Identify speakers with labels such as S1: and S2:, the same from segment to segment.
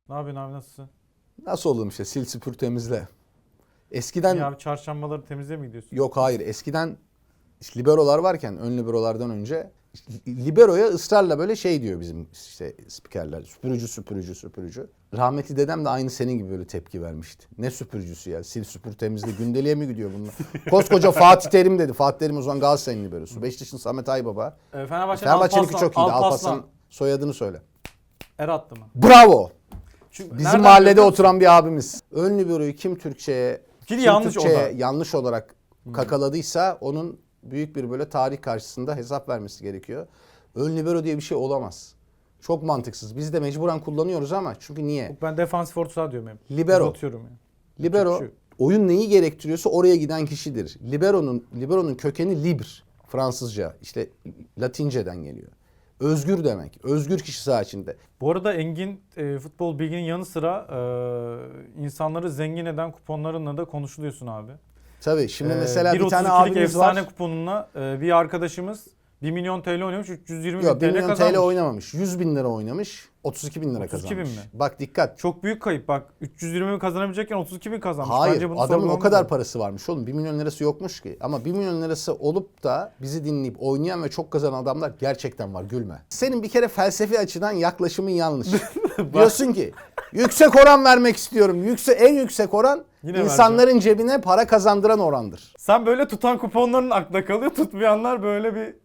S1: Ne yapıyorsun abi, nasılsın?
S2: Nasıl oğlum işte sil süpür temizle. Eskiden
S1: Ya abi, çarşambaları temizliğe mi gidiyorsun?
S2: yok hayır eskiden işte liberolar varken ön liberolardan önce işte liberoya ısrarla böyle şey diyor bizim işte spikerler. Süpürücü süpürücü süpürücü. Rahmetli dedem de aynı senin gibi böyle tepki vermişti. Ne süpürücüsü ya, sil süpür temizle, gündeliğe mi gidiyor bunlar? Koskoca Fatih Terim dedi. Fatih Terim o zaman Galatasaray'ın liberosu. Beşiktaş'ın Samet Aybaba. Fenerbahçe'ninki çok iyiydi. Alparslan soyadını söyle.
S1: Er attı mı?
S2: Bravo.
S1: Çünkü
S2: Bizim
S1: nereden
S2: mahallede
S1: biliyor musun?
S2: oturan bir abimiz. Ön liberoyu kim Türkçe'ye
S1: Yanlış o da.
S2: yanlış olarak kakaladıysa onun büyük bir böyle tarih karşısında hesap vermesi gerekiyor. Ön libero diye bir şey olamaz. Çok mantıksız. Biz de mecburen kullanıyoruz ama çünkü niye?
S1: Ben defansif orta saha diyorum hep.
S2: Libero.
S1: Uzatıyorum yani.
S2: Libero
S1: Yapacak bir şey yok.
S2: oyun neyi gerektiriyorsa oraya giden kişidir. Libero'nun kökeni liber. Fransızca işte Latinceden geliyor. Özgür demek. Özgür kişi saha içinde.
S1: Bu arada Engin futbol bilginin yanı sıra insanları zengin eden kuponlarınla da konuşuluyorsun abi.
S2: Tabii şimdi mesela bir tane
S1: 1.32'lik
S2: abimiz var.
S1: efsane kuponunla bir arkadaşımız 1 milyon TL oynamış, 320 bin
S2: Yok 1
S1: TL
S2: milyon
S1: kazanmış.
S2: TL oynamamış. 100 bin lira oynamış. 32 bin lira
S1: 32
S2: kazanmış.
S1: bin mi?
S2: Bak dikkat.
S1: Çok büyük kayıp bak. 320 bin kazanabilecekken 32 bin kazanmış.
S2: Hayır
S1: Bence bunu
S2: adamın o
S1: sorgulamamız
S2: kadar
S1: lazım.
S2: parası varmış oğlum. 1 milyon lirası yokmuş ki. Ama 1 milyon lirası olup da bizi dinleyip oynayan ve çok kazanan adamlar gerçekten var, gülme. Senin bir kere felsefi açıdan yaklaşımın yanlış. Diyorsun ki yüksek oran vermek istiyorum. En yüksek oran
S1: Yine
S2: insanların cebine para kazandıran orandır.
S1: Sen böyle tutan kuponların aklına kalıyor. Tutmayanlar böyle bir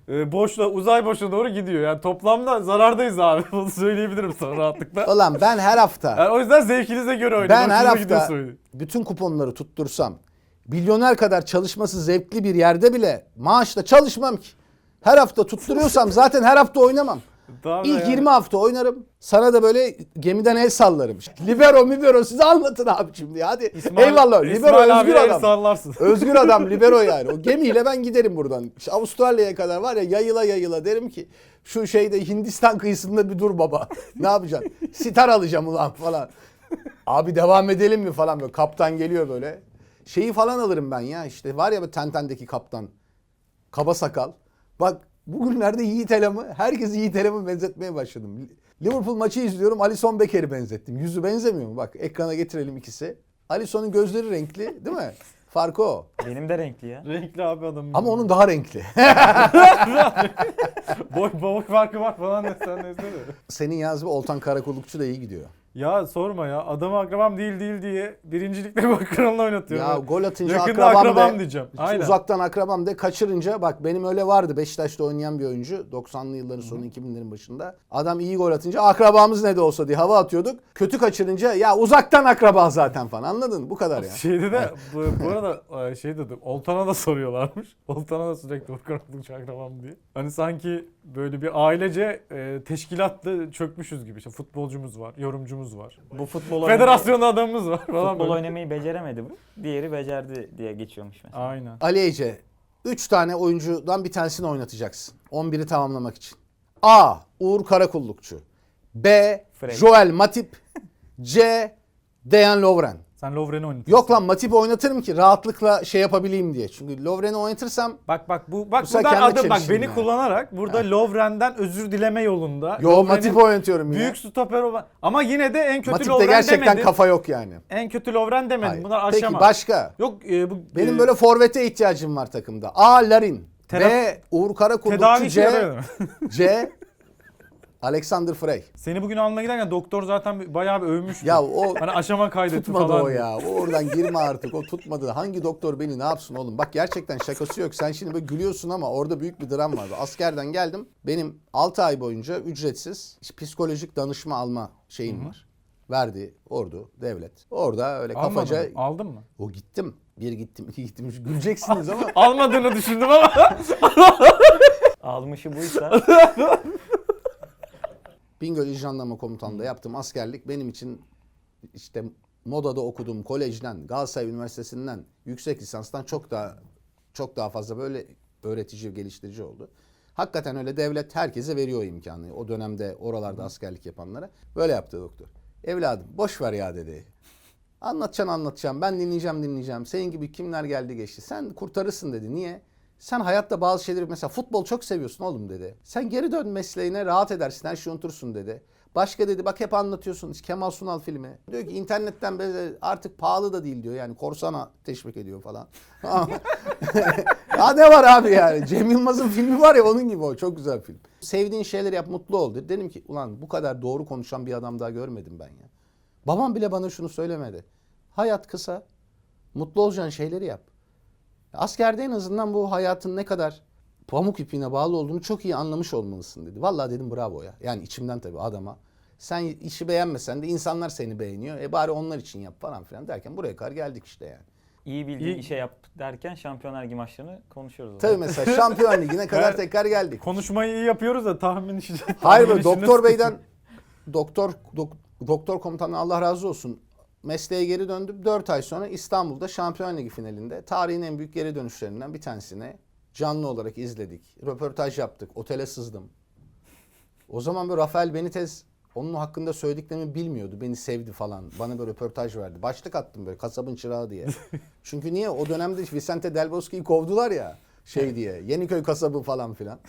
S1: uzay boşluğuna doğru gidiyor. Yani toplamda zarardayız abi. Bunu söyleyebilirim sana rahatlıkla.
S2: Ulan ben her hafta
S1: Yani o yüzden zevkinize göre oynayın.
S2: Ben her
S1: Hoşunuza gidiyorsa
S2: hafta
S1: oynayın.
S2: bütün kuponları tuttursam, milyoner kadar çalışması zevkli bir yerde bile maaşla çalışmam ki. Her hafta tutturuyorsam zaten her hafta oynamam.
S1: Tamam
S2: İlk
S1: yani.
S2: 20 hafta oynarım. Sana da böyle gemiden el sallarım. Libero size anlatın abi şimdi. Hadi eyvallah. Libero
S1: İsmail
S2: özgür
S1: abiye el
S2: adam.
S1: sallarsın.
S2: Özgür adam libero yani. O gemiyle ben giderim buradan. İşte Avustralya'ya kadar var ya, yayıla yayıla derim ki şu şeyde Hindistan kıyısında bir dur baba. Ne yapacaksın? Sitar alacağım ulan falan. Abi devam edelim mi falan böyle. Kaptan geliyor böyle. Şeyi falan alırım ben ya, işte var ya bu Tenten'deki kaptan. Kaba sakal. Bak bugünlerde Yiğit Elam'ı, herkesi Yiğit Elam'ı benzetmeye başladım. Liverpool maçı izliyorum, Alisson Becker'i benzettim. Yüzü benzemiyor mu? Bak ekrana getirelim ikisi. Alisson'un gözleri renkli değil mi? Farkı o.
S3: Benim de renkli ya.
S1: Renkli abi adam.
S2: Ama onun daha renkli.
S1: boy farkı var falan desen neyse de.
S2: Senin yazı Oltan Karakullukçu da iyi gidiyor.
S1: Ya sorma ya. Adamı akrabam değil diye birincilikte gol kralını oynatıyor.
S2: Ya gol atınca
S1: Yakında
S2: akrabam de.
S1: diyeceğim. Aynen.
S2: Uzaktan akrabam de, kaçırınca bak benim öyle vardı. Beşiktaş'ta oynayan bir oyuncu 90'lı yılların sonu 2000'lerin başında. Adam iyi gol atınca akrabamız ne de olsa diye hava atıyorduk. Kötü kaçırınca ya uzaktan akraba zaten falan, anladın mı? Bu kadar ya.
S1: Şeyde de bu arada şey dedim. Oltan'a da soruyorlarmış. Oltan'a da sürekli gol krallıkçı akrabam diye. Hani sanki böyle bir ailece teşkilatlı çökmüşüz gibi. İşte futbolcumuz var, yorumcumuz var.
S3: Bu futbol
S1: Federasyonda adamımız var falan
S3: futbol
S1: böyle.
S3: oynamayı beceremedi bu. Diğeri becerdi diye geçiyormuş mesela.
S1: Aynen.
S2: Ali Ece, 3 tane oyuncudan bir tanesini oynatacaksın. 11'i tamamlamak için. A. Uğur Karakullukçu. B.
S3: Frey.
S2: Joel Matip. C. Dejan Lovren.
S1: Sen Lovren'i oynatırsın.
S2: Yok lan, Matip'i oynatırım ki rahatlıkla şey yapabileyim diye. Çünkü Lovren'i oynatırsam
S1: Bak
S2: Bu
S1: buradan
S2: sefer kendi
S1: adım bak
S2: çelişkin
S1: beni
S2: yani.
S1: kullanarak burada Lovren'den özür dileme yolunda.
S2: yo
S1: Lovren'in
S2: Matip'i oynatıyorum ya.
S1: büyük stoper olan ama yine de en kötü
S2: Matip'te
S1: Lovren
S2: gerçekten
S1: demedim.
S2: kafa yok yani.
S1: En kötü Lovren demedim.
S2: Hayır.
S1: Bunlar
S2: Peki
S1: aşama.
S2: başka?
S1: Yok bu
S2: Benim böyle forvete ihtiyacım var takımda. A. Larin. B. Uğur Karakullukçu.
S1: tedavi işe
S2: C.
S1: yarıyor.
S2: C. Alexander Frey.
S1: Seni bugün almaya giderken doktor zaten bayağı bir övmüştü.
S2: Ya o
S1: Hani aşama kaydetti
S2: tutmadı
S1: falan.
S2: o
S1: diye.
S2: ya. O oradan girme artık. O tutmadı. Hangi doktor beni ne yapsın oğlum? Bak gerçekten şakası yok. Sen şimdi böyle gülüyorsun ama orada büyük bir dram vardı. Askerden geldim. Benim 6 ay boyunca ücretsiz psikolojik danışma alma şeyim var. Verdi ordu, devlet. Orada öyle
S1: Almadın
S2: kafaca...
S1: mı? Aldın mı?
S2: O gittim. Bir gittim, iki gittim. Güleceksiniz ama...
S1: Almadığını düşündüm ama.
S3: Almışı buysa
S2: Bingöl İl Jandarma Komutanlığı'nda yaptığım askerlik benim için işte Moda'da okuduğum kolejden, Galatasaray Üniversitesi'nden, yüksek lisanstan çok daha fazla böyle öğretici, geliştirici oldu. Hakikaten öyle devlet herkese veriyor imkanı. O dönemde oralarda askerlik yapanlara. Böyle yaptı doktor. Evladım boş ver ya dedi. Anlatacağım. Ben dinleyeceğim. Senin gibi kimler geldi geçti. Sen kurtarırsın dedi. Niye? Sen hayatta bazı şeyleri, mesela futbol çok seviyorsun oğlum dedi. Sen geri dön mesleğine, rahat edersin, her şeyi unutursun dedi. Başka dedi bak hep anlatıyorsunuz Kemal Sunal filmi. Diyor ki internetten artık pahalı da değil diyor. Yani korsana teşvik ediyor falan. Ya ne var abi yani? Cem Yılmaz'ın filmi var ya onun gibi o. Çok güzel film. Sevdiğin şeyleri yap mutlu ol dedi. Dedim ki ulan bu kadar doğru konuşan bir adam daha görmedim ben ya. Babam bile bana şunu söylemedi. Hayat kısa. Mutlu olacağın şeyleri yap. Askerde en azından bu hayatın ne kadar pamuk ipine bağlı olduğunu çok iyi anlamış olmalısın dedi. Vallahi dedim bravo ya. Yani içimden tabii adama. Sen işi beğenmesen de insanlar seni beğeniyor. Bari onlar için yap falan filan derken buraya kadar geldik işte yani.
S3: İyi bildiğin işe yap derken Şampiyonlar Ligi maçlarını konuşuyoruz. o
S2: Tabii
S3: zaman.
S2: mesela Şampiyon Ligi'ne kadar tekrar geldik.
S1: Konuşmayı iyi yapıyoruz da tahmin işi.
S2: Hayır böyle doktor beyden doktor komutanı Allah razı olsun. Mesleğe geri döndüm. 4 ay sonra İstanbul'da Şampiyon Ligi finalinde tarihin en büyük geri dönüşlerinden bir tanesini canlı olarak izledik. Röportaj yaptık. Otele sızdım. O zaman böyle Rafael Benitez onun hakkında söylediklerimi bilmiyordu. Beni sevdi falan. Bana böyle röportaj verdi. Başlık attım böyle kasabın çırağı diye. Çünkü niye? O dönemde Vicente Del Bosque'yi kovdular ya şey diye. Yeniköy kasabı falan filan.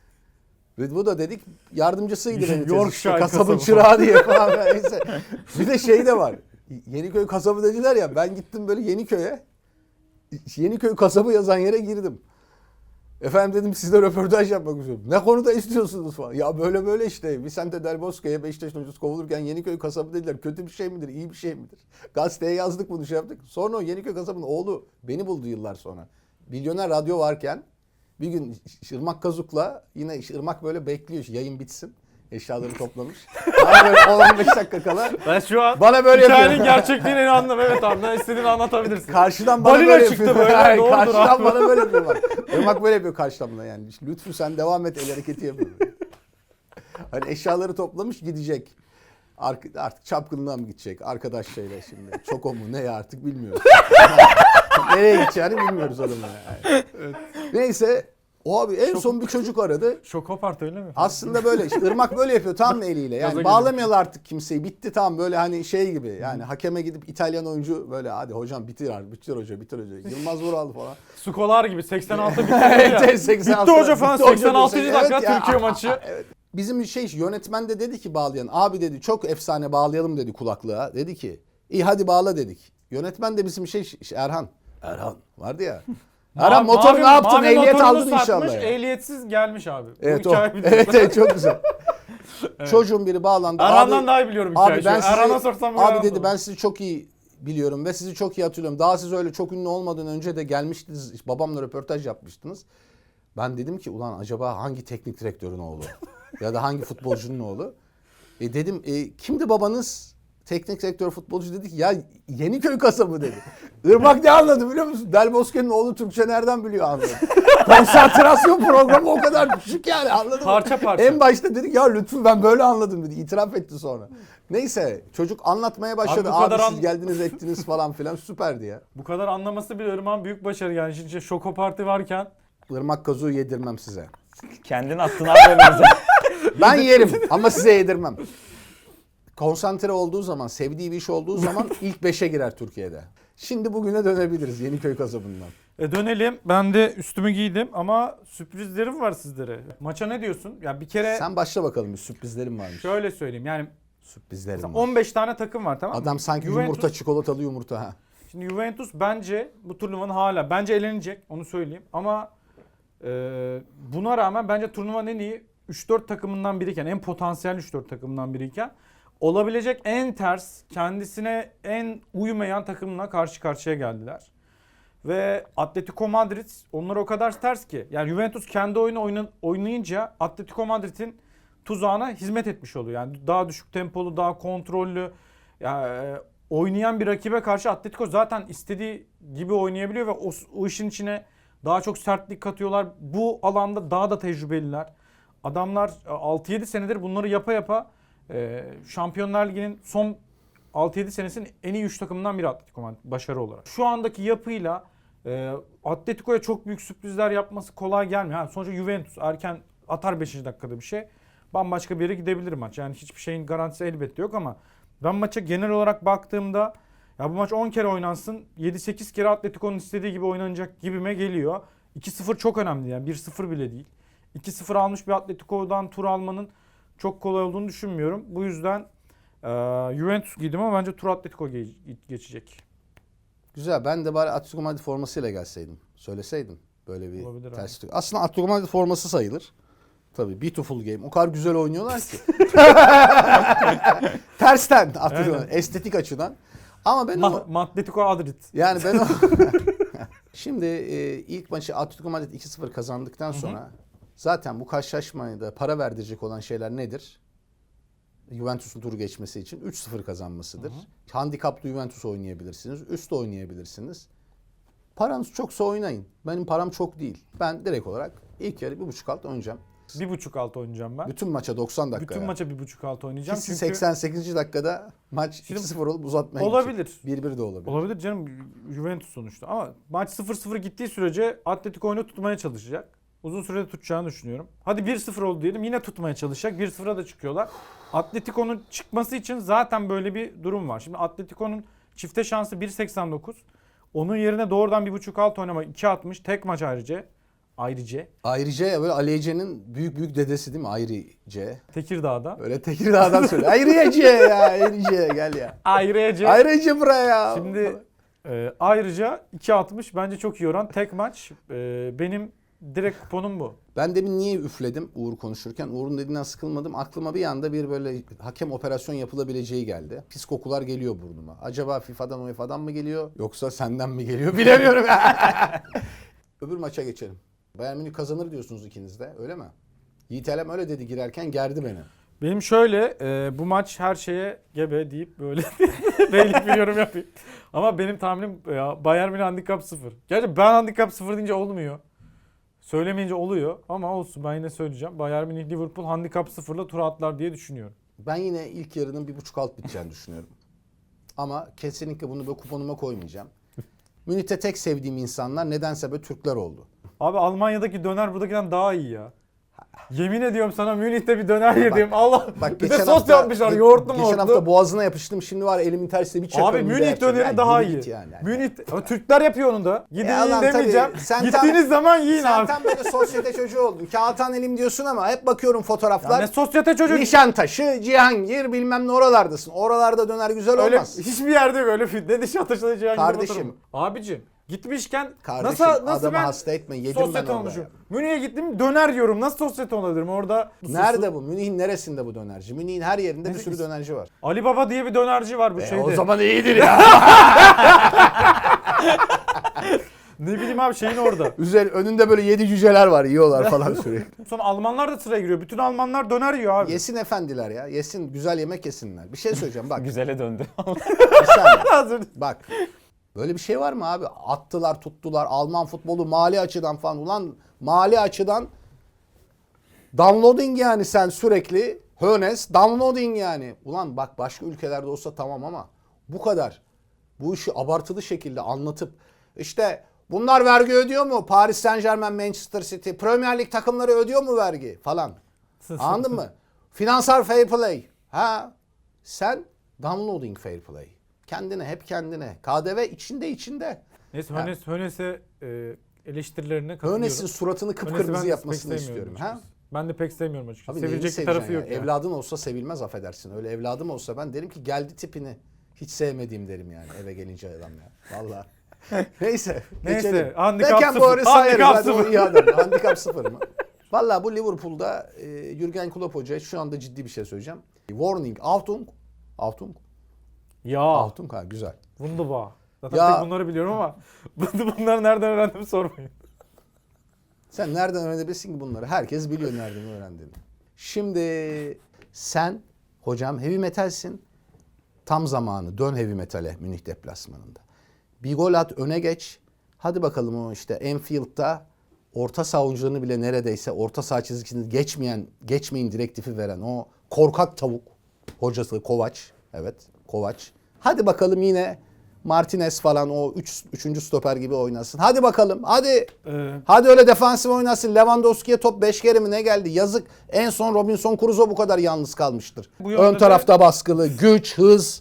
S2: Ve bu da dedik yardımcısıydı Benitez.
S1: Yorkshire
S2: Kasabın
S1: kasabı
S2: çırağı diye falan. Neyse. Bir de şey de var. Yeniköy kasabı dediler ya. Ben gittim böyle Yeniköy'e. Yeniköy kasabı yazan yere girdim. Efendim dedim sizle röportaj yapmak istiyorum. Ne konuda istiyorsunuz falan. Ya böyle böyle işte. Vicente Del Bosque'ye Beşiktaş'ın hocası kovulurken Yeniköy kasabı dediler. Kötü bir şey midir, iyi bir şey midir? Gazeteye yazdık bunu şey yaptık. Sonra o Yeniköy kasabının oğlu beni buldu yıllar sonra. Milyoner Radyo varken bir gün Irmak Kazuk'la yine Irmak böyle bekliyor yayın bitsin. Eşyaları toplamış. Bana böyle 10-15 dakika kala
S1: Ben şu an
S2: bana böyle
S1: hikayenin
S2: yapıyor.
S1: gerçekliğini anladım. Evet abi ne istediğini anlatabilirsin.
S2: Karşıdan bana
S1: Balina
S2: böyle
S1: çıktı
S2: yapıyor.
S1: böyle,
S2: Hayır,
S1: doğrudur
S2: karşıdan
S1: abi.
S2: bana böyle yapıyor bak. Irmak böyle yapıyor karşıdan bana yani. İşte, Lütfü sen devam et el hareketi yapıyor. Hani eşyaları toplamış gidecek. Artık çapkınlığa mı gidecek? Arkadaş şeyle şimdi. Çok o mu ne ya artık bilmiyoruz. Nereye gideceğini bilmiyoruz adamın yani. Evet. Neyse o abi en son bir çocuk aradı.
S1: Şokopart öyle mi?
S2: Aslında böyle işte Irmak böyle yapıyor tam mı eliyle.
S1: Gaza
S2: Yani
S1: geliyor.
S2: bağlamıyorlar artık kimseyi. Bitti tam böyle hani şey gibi. Yani hakeme gidip İtalyan oyuncu böyle hadi hocam bitir abi. Bitir hoca bitir hoca. Yılmaz Vural falan.
S1: Skolar gibi 86 bitti
S2: Evet,
S1: ya.
S2: 86.
S1: Bitti hoca falan
S2: Bitti hoca
S1: 86.
S2: diyorsun.
S1: dakika
S2: Evet ya.
S1: Türkiye maçı.
S2: Evet. Bizim yönetmen de dedi ki bağlayan. Abi dedi çok efsane bağlayalım dedi kulaklığa. Dedi ki iyi hadi bağla dedik. Yönetmen de bizim Erhan. Erhan vardı ya. Erhan motor ne yaptın?
S1: Mavi
S2: Ehliyet
S1: motorunu
S2: aldın
S1: satmış,
S2: inşallah. Ya.
S1: ehliyetsiz gelmiş abi.
S2: Evet
S1: Bu
S2: o.
S1: hikaye biliyorum.
S2: Evet çok güzel. Çocuğun biri bağlandı.
S1: Erhan'dan daha iyi biliyorum hikayeyi.
S2: Abi ben
S1: Erhan'a
S2: sizi,
S1: sorsam bu
S2: abi
S1: Erhan
S2: dedi
S1: olur.
S2: ben sizi çok iyi biliyorum ve sizi çok iyi hatırlıyorum. Daha siz öyle çok ünlü olmadan önce de gelmiştiniz. İşte babamla röportaj yapmıştınız. Ben dedim ki ulan acaba hangi teknik direktörün oğlu? Ya da hangi futbolcunun oğlu? Dedim kimdi babanız? Teknik direktör futbolcu dedi ki ya Yeniköy kasabı dedi. Irmak ne anladı biliyor musun? Del Bosque'nin oğlu Türkçe nereden biliyor anladı. Konsantrasyon programı o kadar düşük yani anladın mı?
S1: Parça parça.
S2: En başta dedik ya lütfen ben böyle anladım dedi. İtiraf etti sonra. Neyse çocuk anlatmaya başladı.
S1: Abi bu kadar
S2: Siz geldiniz ettiniz falan filan süperdi ya.
S1: Bu kadar anlaması bir Irmak'ın büyük başarı yani. Şimdi Şokopartı varken
S2: Irmak kazuğu yedirmem size.
S3: Kendin attın abi önümüze.
S2: Ben yerim ama size yedirmem. Konsantre olduğu zaman, sevdiği bir iş olduğu zaman ilk 5'e girer Türkiye'de. Şimdi bugüne dönebiliriz Yeniköy kasabından.
S1: dönelim. Ben de üstümü giydim ama sürprizlerim var sizlere. Maça ne diyorsun? Ya bir kere
S2: Sen başla bakalım bir sürprizlerim varmış.
S1: şöyle söyleyeyim. Yani
S2: Sürprizlerim
S1: mesela
S2: var.
S1: 15 tane takım var tamam mı?
S2: Adam sanki
S1: Juventus-
S2: yumurta çikolatalı yumurta ha.
S1: Şimdi Juventus bence bu turnuvanın hala bence elenecek onu söyleyeyim ama buna rağmen bence turnuvanın en iyi 3-4 takımından biriyken en potansiyel 3-4 takımından biriyken olabilecek en ters kendisine en uymayan takımla karşı karşıya geldiler. Ve Atletico Madrid onlara o kadar ters ki yani Juventus kendi oyunu oynayınca Atletico Madrid'in tuzağına hizmet etmiş oluyor. Yani daha düşük tempolu, daha kontrollü yani, oynayan bir rakibe karşı Atletico zaten istediği gibi oynayabiliyor ve o işin içine daha çok sertlik katıyorlar. Bu alanda daha da tecrübeliler. Adamlar 6-7 senedir bunları yapa yapa Şampiyonlar Ligi'nin son 6-7 senesinin en iyi 3 takımından biri Atletico Madrid başarı olarak. Şu andaki yapıyla Atletico'ya çok büyük sürprizler yapması kolay gelmiyor. Sonuçta Juventus erken atar 5. dakikada bir şey. Bambaşka bir yere gidebilir maç. Yani hiçbir şeyin garantisi elbette yok ama ben maça genel olarak baktığımda ya bu maç 10 kere oynansın 7-8 kere Atletico'nun istediği gibi oynanacak gibime geliyor. 2-0 çok önemli yani 1-0 bile değil. 2-0 almış bir Atletico'dan tur almanın çok kolay olduğunu düşünmüyorum. Bu yüzden Juventus giydim ama bence tur Atletico geçecek.
S2: Güzel. Ben de bari Atletico Madrid formasıyla gelseydim. Söyleseydim. Böyle bir
S1: Olabilir
S2: terslik. Aslında Atletico Madrid forması sayılır. Tabii beautiful game. O kadar güzel oynuyorlar ki. Tersten Atletico
S1: Aynen.
S2: estetik açıdan. Ama ben o
S1: Atletico Madrid.
S2: yani ben o şimdi ilk maçı Atletico Madrid 2-0 kazandıktan sonra zaten bu karşılaşmaya da para verdirecek olan şeyler nedir? Juventus'un turu geçmesi için 3-0 kazanmasıdır. Handikaplı Juventus oynayabilirsiniz. Üst oynayabilirsiniz. Paranız çoksa oynayın. Benim param çok değil. Ben direkt olarak ilk yarı 1.5 alt oynayacağım.
S1: 1.5 alt oynayacağım ben.
S2: Bütün maça 90 dakika.
S1: Bütün maça 1.5 alt oynayacağım.
S2: Kesin
S1: Çünkü
S2: 88. dakikada maç
S1: Şimdi
S2: 2-0 olup uzatmaya
S1: olabilir.
S2: gidecek. 1-1 de olabilir.
S1: Olabilir canım, Juventus sonuçta. Ama maç 0-0 gittiği sürece Atletico oyunu tutmaya çalışacak. Uzun sürede tutacağını düşünüyorum. Hadi 1-0 oldu diyelim, yine tutmaya çalışacak. 1-0'a da çıkıyorlar. Atletico'nun çıkması için zaten böyle bir durum var. Şimdi Atletico'nun çifte şansı 1.89. Onun yerine doğrudan 1.5 alt oynama 2.60 tek maç ayrıca.
S2: Ayrıca ya böyle Ali Ece'nin büyük dedesi değil mi? Ayrıca.
S1: Tekirdağ'da.
S2: Öyle Tekirdağ'dan söyle. Ayrıca ya. Ayrıca gel ya.
S1: Ayrıca.
S2: Ayrıca buraya ya.
S1: Şimdi ayrıca 2.60 bence çok iyi oran. Tek maç. Benim direkt kuponum bu.
S2: Ben demin niye üfledim Uğur konuşurken? Uğur'un dediğinden sıkılmadım. Aklıma bir anda bir böyle hakem operasyon yapılabileceği geldi. Pis kokular geliyor burnuma. Acaba FIFA'dan UEFA'dan mı geliyor? Yoksa senden mi geliyor? Bilemiyorum. Öbür maça geçelim. Bayern Münih kazanır diyorsunuz ikiniz de. Öyle mi? Yiğit Elem öyle dedi girerken gerdi beni.
S1: Benim şöyle bu maç her şeye gebe deyip böyle beylik bir yorum yapayım. Ama benim tahminim Bayern Münih handikap 0. Gerçi ben handikap 0 deyince olmuyor. Söylemeyince oluyor ama olsun, ben yine söyleyeceğim. Bayern Münih Liverpool handikap 0'la tur atlar diye düşünüyorum.
S2: Ben yine ilk yarının 1.5 alt biteceğini düşünüyorum. Ama kesinlikle bunu böyle kuponuma koymayacağım. Münih'te tek sevdiğim insanlar nedense böyle Türkler oldu.
S1: Abi Almanya'daki döner buradakinden daha iyi ya. Yemin ediyorum sana, Münih'te bir döner yedim. Allah.
S2: Bak
S1: Bir de sos yapmışlar, yoğurtlu
S2: Geçen hafta
S1: moğurtlu.
S2: boğazına yapıştım. Şimdi var elimin tersiyle bir çakarım.
S1: Abi
S2: bir de
S1: Münih
S2: yapacağım.
S1: döneri
S2: Yani
S1: daha
S2: yürü
S1: iyi.
S2: git yani.
S1: Münih Türkler yapıyor onu da. Gidin
S2: Ya
S1: yiyin
S2: lan tabii,
S1: demeyeceğim.
S2: sen
S1: Gittiğiniz zaman yiyin
S2: Sen
S1: abi.
S2: tam böyle sosyete çocuğu oldun. Kağıthan elim diyorsun ama hep bakıyorum
S1: Ya
S2: fotoğraflar.
S1: ne sosyete çocuğu.
S2: Nişantaşı, Cihangir bilmem ne oralardasın. Oralarda döner güzel
S1: Öyle
S2: olmaz.
S1: hiçbir yerde yok öyle. Ne Nişantaşı'da Cihangir'de
S2: Kardeşim.
S1: otururum. Abicim gitmişken
S2: Kardeşim
S1: nasıl
S2: adamı
S1: ben
S2: hasta etme. Yedim ben
S1: sosyete
S2: orada.
S1: olmuşum.
S2: Ya.
S1: Münih'e gittim döner yiyorum. Nasıl sosyete olabilirim orada?
S2: Nerede bu? Münih'in neresinde bu dönerci? Münih'in her yerinde bir sürü dönerci var.
S1: Ali Baba diye bir dönerci var bu şeyde.
S2: O zaman iyidir ya.
S1: Ne bileyim abi, şeyin orada.
S2: Önünde böyle 7 cüceler var yiyorlar falan sürekli.
S1: Sonra Almanlar da sıraya giriyor. Bütün Almanlar döner yiyor abi.
S2: Yesin efendiler ya. Yesin güzel yemek yesinler. Bir şey söyleyeceğim bak.
S3: Güzele döndü.
S2: Bir saniye.
S1: Hazır.
S2: Bak. Böyle bir şey var mı abi? Attılar tuttular Alman futbolu mali açıdan falan. Ulan mali açıdan downloading yani sen sürekli. Hönes downloading yani. Ulan bak başka ülkelerde olsa tamam ama bu kadar. Bu işi abartılı şekilde anlatıp işte bunlar vergi ödüyor mu? Paris Saint-Germain, Manchester City, Premier Lig takımları ödüyor mu vergi falan. Anladın mı? Finansal fair play. Ha? Sen downloading fair play. Kendine, hep kendine. KDV içinde.
S1: Neyse Hönes'e eleştirilerine katılıyorum.
S2: Hönes'in suratını
S1: Hönes'i
S2: kıpkırmızı
S1: ben
S2: yapmasını
S1: pek
S2: sevmiyorum.
S1: sevmiyorum
S2: Ha?
S1: açıkçası. Ben de pek sevmiyorum açıkçası.
S2: Abi neyini
S1: Sevilecek bir
S2: seveceksin
S1: tarafı
S2: ya?
S1: yok ya.
S2: Evladın olsa sevilmez affedersin. Öyle evladım olsa ben derim ki geldi tipini. Hiç sevmediğim derim yani eve gelince adam ya. Vallahi. Neyse.
S1: Neyse,
S2: geçelim.
S1: handikap
S2: Beckenbauer'ı
S1: sıfır.
S2: sayarız.
S1: Handikap
S2: Hadi o
S1: sıfır.
S2: iyi adam. Handikap 0 mı? Vallahi bu Liverpool'da Jürgen Klopp Hoca şu anda ciddi bir şey söyleyeceğim. Warning. Achtung.
S1: Ya.
S2: Achtung ha güzel.
S1: Wunderbar. Zaten
S2: Ya.
S1: tek bunları biliyorum ama bunları nereden öğrendim sormayın.
S2: Sen nereden öğrenebilirsin ki bunları? Herkes biliyor nereden öğrendiğini. Şimdi sen hocam heavy metalsin. Tam zamanı. Dön heavy metale Münih deplasmanında. Bir gol at öne geç. Hadi bakalım o işte Enfield'da orta saha oyuncularını bile neredeyse orta saha çizgisini geçmeyin direktifi veren o korkak tavuk hocası Kovac. Evet Kovac. Hadi bakalım yine Martinez falan o 3. stoper gibi oynasın. Hadi bakalım hadi. Hadi öyle defansif oynasın. Lewandowski'ye top 5 kere mi ne geldi? Yazık. En son Robinson Crusoe bu kadar yalnız kalmıştır.
S1: Bu yönde
S2: Ön
S1: de-
S2: tarafta baskılı, güç, hız.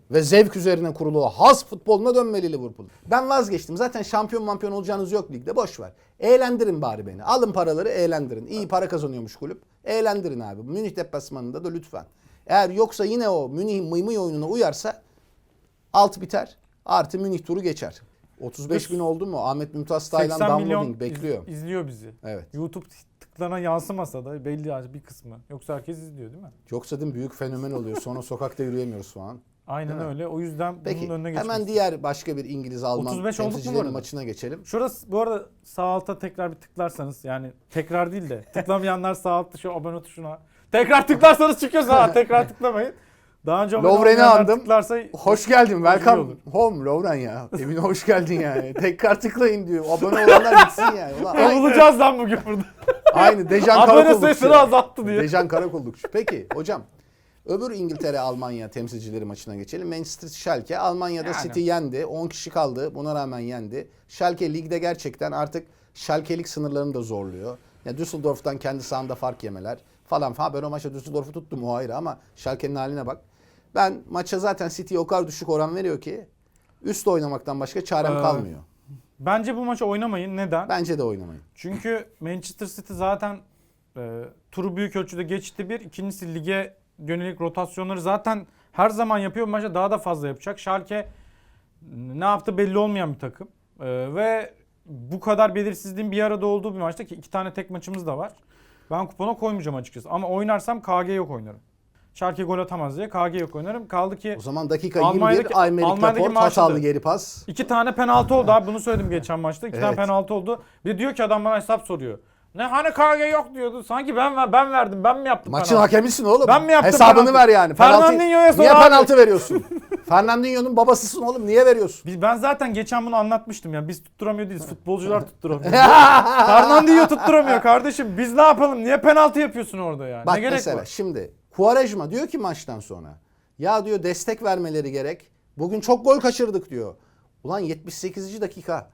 S2: ve zevk üzerine kurulu has futboluna dönmeli Liverpool. Ben vazgeçtim. Zaten şampiyon olacağınız yok ligde. Boş ver. Eğlendirin bari beni. Alın paraları eğlendirin. İyi para kazanıyormuş kulüp. Eğlendirin abi. Münih deplasmanında da lütfen. Eğer yoksa yine o Münih mıymıy oyununa uyarsa alt biter. Artı Münih turu geçer. 35 bin oldu mu? Ahmet Mümtaz Taylan
S1: 80 milyon
S2: downloading bekliyor.
S1: izliyor bizi.
S2: Evet.
S1: YouTube tıklarına yansımasa da belli bir kısmı. Yoksa herkes izliyor değil mi?
S2: Yoksa değil mi? Büyük fenomen oluyor. Sonra sokakta yürüyemiyoruz falan.
S1: Aynen
S2: Değil mi?
S1: öyle. O yüzden
S2: Peki
S1: bunun önüne geçmek
S2: hemen diğer başka bir İngiliz Alman
S1: 35 olduk mu bu
S2: temsilcilerin
S1: arada?
S2: maçına geçelim.
S1: Şurası bu arada sağ alta tekrar bir tıklarsanız yani tekrar değil de tıklamayanlar sağ altta şu abone tuşuna tekrar tıklarsanız çıkıyor sağ tekrar tıklamayın. Daha önce abone
S2: Lovren'i
S1: olmayanlar
S2: andım.
S1: tıklarsa
S2: Hoş geldin.
S1: Güzel
S2: Welcome
S1: olur.
S2: home Lovren ya. Evine hoş geldin yani. Tekrar tıklayın diyor. Abone olanlar gitsin yani. Ulan,
S1: kovulacağız lan bugün burada.
S2: aynı Dejan
S1: Abone
S2: Karakollukçu.
S1: sayısını azalttı diye.
S2: Dejan Karakollukçu. Peki hocam. Öbür İngiltere-Almanya temsilcileri maçına geçelim. Manchester Schalke. Almanya'da
S1: Yani.
S2: City yendi. 10 kişi kaldı. Buna rağmen yendi. Schalke ligde gerçekten artık Schalke'lik sınırlarını da zorluyor. Ya Düsseldorf'tan kendi sahanda fark yemeler falan. Ben o maçta Düsseldorf'u tuttum o ayrı ama Schalke'nin haline bak. Ben maça zaten City'ye o kadar düşük oran veriyor ki üst oynamaktan başka çarem kalmıyor.
S1: Bence bu maçı oynamayın. Neden?
S2: Bence de oynamayın.
S1: Çünkü Manchester City zaten turu büyük ölçüde geçti bir. İkincisi lige yönelik rotasyonları zaten her zaman yapıyor. Bu maçta daha da fazla yapacak. Schalke ne yaptı belli olmayan bir takım. Ve bu kadar belirsizliğin bir arada olduğu bir maçta ki 2 tane tek maçımız da var. Ben kupona koymayacağım açıkçası. Ama oynarsam KG yok oynarım. Schalke gol atamaz diye KG yok oynarım. Kaldı ki
S2: O zaman dakika
S1: Almanya'daki-
S2: 21 Aymeric
S1: Almanya'daki
S2: Laporte
S1: maçta
S2: hatalı
S1: da-
S2: geri pas.
S1: 2 tane penaltı oldu abi. Bunu söyledim geçen maçta. 2 tane
S2: Evet.
S1: penaltı oldu. Bir de diyor ki adam bana hesap soruyor. Ne hani KG yok diyordu. Sanki ben verdim. Ben mi yaptım
S2: Maçın
S1: penaltı?
S2: hakemisin oğlum.
S1: Ben mi yaptım
S2: Hesabını
S1: penaltı?
S2: ver yani.
S1: Fernandinho'ya sor
S2: Niye
S1: abi.
S2: penaltı veriyorsun? Fernandinho'nun babasısın oğlum. Niye veriyorsun?
S1: Ben zaten geçen bunu anlatmıştım ya. Biz tutturamıyor değiliz. Futbolcular tutturamıyor. Fernandinho tutturamıyor kardeşim. Biz ne yapalım? Niye penaltı yapıyorsun orada ya?
S2: Bak
S1: Ne gerek
S2: mesela
S1: var?
S2: şimdi Quaresma diyor ki maçtan sonra ya diyor destek vermeleri gerek. Bugün çok gol kaçırdık diyor. Ulan 78. dakika.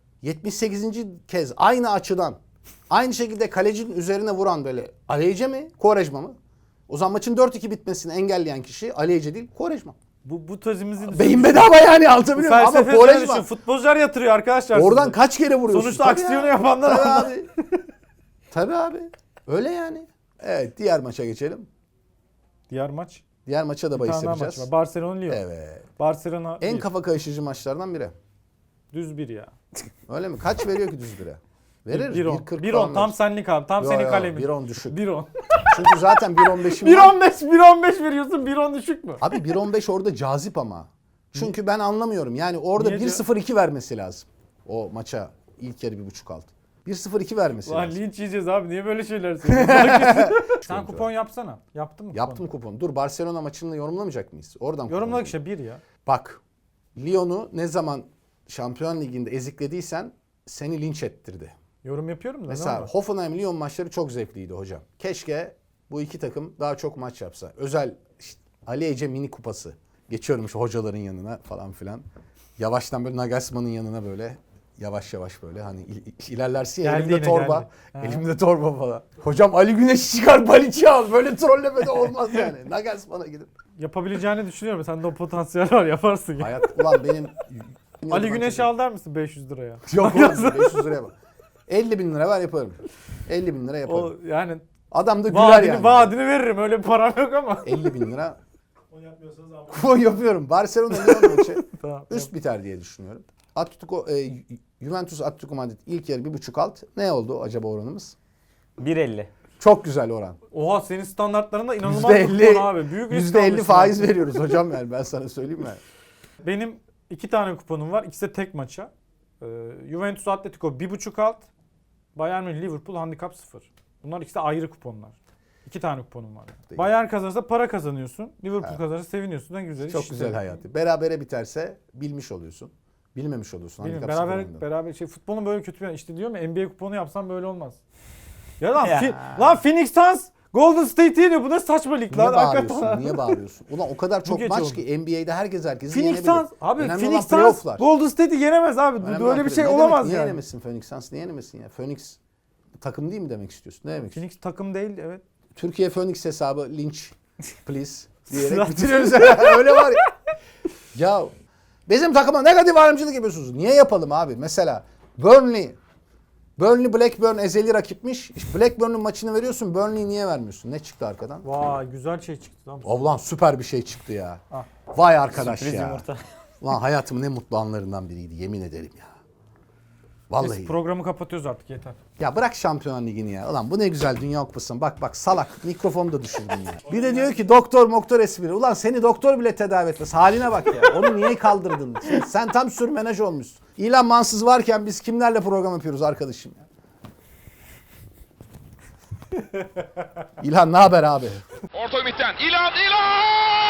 S2: 78. kez aynı açıdan aynı şekilde kalecinin üzerine vuran böyle Aleyce mi? Quaresma mı? O zaman maçın 4-2 bitmesini engelleyen kişi Aleyce değil Quaresma.
S1: Bu tezimizi
S2: Beyin bedava yani anlatabiliyor muyum? Ama
S1: felsefesine
S2: Quaresma
S1: düşün. Futbolcular yatırıyor arkadaşlar.
S2: oradan
S1: sizi.
S2: kaç kere vuruyorsun?
S1: Sonuçta
S2: Tabii
S1: aksiyonu
S2: ya.
S1: yapanlar
S2: Tabii
S1: onlar.
S2: abi. Tabii abi. Öyle yani. Evet diğer maça geçelim.
S1: Diğer maç.
S2: Diğer maça da
S1: Bir
S2: bahis
S1: tane daha maç
S2: yapacağız.
S1: var. Barcelona Lyon.
S2: Evet.
S1: Barcelona
S2: En
S1: bir.
S2: kafa karışıcı maçlardan biri.
S1: Düz bir ya.
S2: Öyle mi? Kaç veriyor ki düz bire? Verir.
S1: 1-10.
S2: 1.40
S1: 1-10
S2: falan
S1: tam
S2: verir.
S1: senlik abi. Tam
S2: Yo,
S1: senin
S2: yo,
S1: kalemin.
S2: 1.10 düşük.
S1: 1-10.
S2: Çünkü zaten 1.15'im var.
S1: 1-15 veriyorsun. 1-10 düşük mü?
S2: Abi 1.15 orada cazip ama. Çünkü ben anlamıyorum. Yani orada
S1: Niye diyor?
S2: 1.02 vermesi lazım. O maça ilk yarı 1.5 alt. 1.02 vermesi
S1: Lan
S2: lazım.
S1: linç yiyeceğiz abi. Niye böyle şeyler söylüyorsun? Sen kupon yapsana. Yaptın mı kupon?
S2: Yaptım kuponu. Dur Barcelona maçını yorumlamayacak mıyız? Oradan kupon
S1: Yorumladık
S2: yapayım.
S1: işte 1 ya.
S2: Bak Lyon'u ne zaman Şampiyon Ligi'nde eziklediysen seni linç ettirdi.
S1: Yorum yapıyorum da.
S2: Mesela
S1: ne oldu?
S2: Hoffenheim-Lyon maçları çok zevkliydi hocam. Keşke bu iki takım daha çok maç yapsa. Özel işte, Ali Ece mini kupası. Geçiyorum şu hocaların yanına falan filan. Yavaştan böyle Nagelsmann'ın yanına böyle yavaş yavaş böyle hani ilerlersin ya
S1: Geldi
S2: elimde
S1: yine,
S2: torba.
S1: geldi. Ha.
S2: Elimde torba falan. Hocam Ali Güneş çıkar Baliç'i al. Böyle trolleme de olmaz yani. Nagelsmann'a gidip.
S1: Yapabileceğini düşünüyorum. Sende o potansiyel var. Yaparsın ya.
S2: Hayat ulan benim.
S1: Ali Güneş'i al der misin 500 liraya?
S2: Yok oğlum 500 liraya bak. 50 bin lira ver yaparım. 50 bin lira yaparım.
S1: O yani
S2: Adam da güler
S1: vaadini,
S2: yani.
S1: vaadini veririm. Öyle bir param yok ama.
S2: 50 bin lira.
S1: O yapmıyorsanız abi.
S2: Kupon yapıyorum. Barcelona Lyon maçı
S1: Tamam.
S2: üst biter diye düşünüyorum. Juventus Atletico Madrid ilk yarı 1.5 alt. Ne oldu acaba oranımız?
S3: 1.50.
S2: Çok güzel oran.
S1: Oha senin standartlarında inanılmaz bir
S2: %50
S1: kupon abi. Büyük risk
S2: %50
S1: almışsın
S2: faiz
S1: abi.
S2: veriyoruz hocam yani ben sana söyleyeyim mi?
S1: Benim 2 tane kuponum var. İkisi de tek maça. Juventus Atletico 1.5 alt. Bayern Münih Liverpool handikap 0. Bunlar ikisi de ayrı kuponlar. 2 tane kuponum var.
S2: Değil.
S1: Bayern kazanırsa para kazanıyorsun. Liverpool
S2: Evet.
S1: kazanırsa seviniyorsun. Ne güzel.
S2: Çok
S1: işte.
S2: güzel hayatı. Berabere biterse bilmiş oluyorsun. Bilmemiş oluyorsun.
S1: Bilmiyorum,
S2: Handikap sıfır oyundan.
S1: beraber futbolun böyle kötü bir işte diyorum ya NBA kuponu yapsam böyle olmaz. Ya lan
S3: Ya.
S1: lan Phoenix Suns Golden State yeniyor. Bu ne saçma lig
S2: Niye
S1: lan hakikaten.
S2: bağırıyorsun? Niye bağırıyorsun? Ulan o kadar çok
S1: gece
S2: maç
S1: oldu.
S2: ki NBA'de herkes herkesi
S1: Phoenix
S2: yenebilir.
S1: Suns abi
S2: Önemli
S1: Phoenix
S2: olan
S1: Suns
S2: playoff'lar.
S1: Golden State'i yenemez abi.
S2: Önemli
S1: Böyle
S2: olan
S1: bir şey
S2: ne
S1: olamaz
S2: demek, niye
S1: yani.
S2: yenemesin Phoenix Suns? Niye yenemesin ya? Phoenix takım değil mi demek istiyorsun? Ne demek istiyorsun?
S1: Phoenix takım değil evet.
S2: Türkiye Phoenix hesabı linç please diyerek
S1: Zaten-
S2: bitiriyoruz. Öyle var ya. Ya bizim takıma negatif ayrımcılık yapıyorsunuz. Niye yapalım abi? Mesela Burnley Blackburn ezeli rakipmiş. İşte Blackburn'un maçını veriyorsun. Burnley'i niye vermiyorsun? Ne çıktı arkadan?
S1: Vay güzel şey çıktı lan.
S2: Ulan süper bir şey çıktı ya.
S1: Ah.
S2: Vay arkadaş
S3: Sürpriz
S2: ya.
S3: yumurta.
S2: Ulan hayatımın en mutlu anlarından biriydi. Yemin ederim ya. Vallahi.
S1: Biz programı kapatıyoruz artık yeter.
S2: Ya bırak Şampiyonlar Ligi'ni ya. Ulan bu ne güzel Dünya Kupası. Bak salak. Mikrofonu da düşürdün ya. Bir de diyor ki doktor espri. Ulan seni doktor bile tedavi etmez. Haline bak ya. Onu niye kaldırdın? Sen tam sürmenaj olmuşsun. İlan Mansız varken biz kimlerle program yapıyoruz arkadaşım ya? İlhan ne haber abi?
S4: Orta ümitten. İlan!